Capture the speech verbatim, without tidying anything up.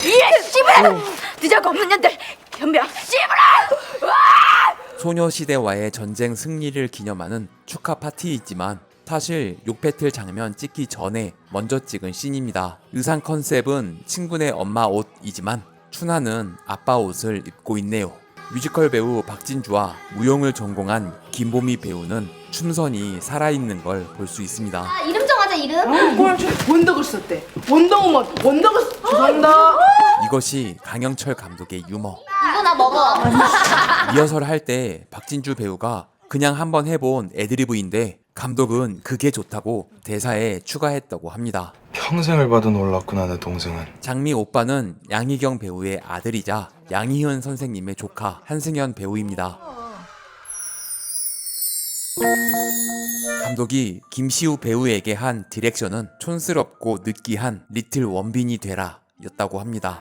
예, 씨부라! 늦어가 없는 년들 변명 씨부라! 소녀시대와의 전쟁 승리를 기념하는 축하 파티이지만 사실 욕배틀 장면 찍기 전에 먼저 찍은 씬입니다. 의상 컨셉은 친구네 엄마 옷이지만 춘하는 아빠 옷을 입고 있네요. 뮤지컬 배우 박진주와 무용을 전공한 김보미 배우는 춤선이 살아있는 걸 볼 수 있습니다. 아, 이름 정하자 이름. 그걸 원더걸 썼대. 원더우먼, 원더걸 썼- 죄송합니다. 이것이 강영철 감독의 유머. 이거 나 먹어. 리허설 할 때 박진주 배우가 그냥 한번 해본 애드리브인데 감독은 그게 좋다고 대사에 추가했다고 합니다. 평생을 봐도 놀랐구나 내 동생은. 장미 오빠는 양희경 배우의 아들이자 양희은 선생님의 조카 한승연 배우입니다. 감독이 김시우 배우에게 한 디렉션은 촌스럽고 느끼한 리틀 원빈이 되라 였다고 합니다.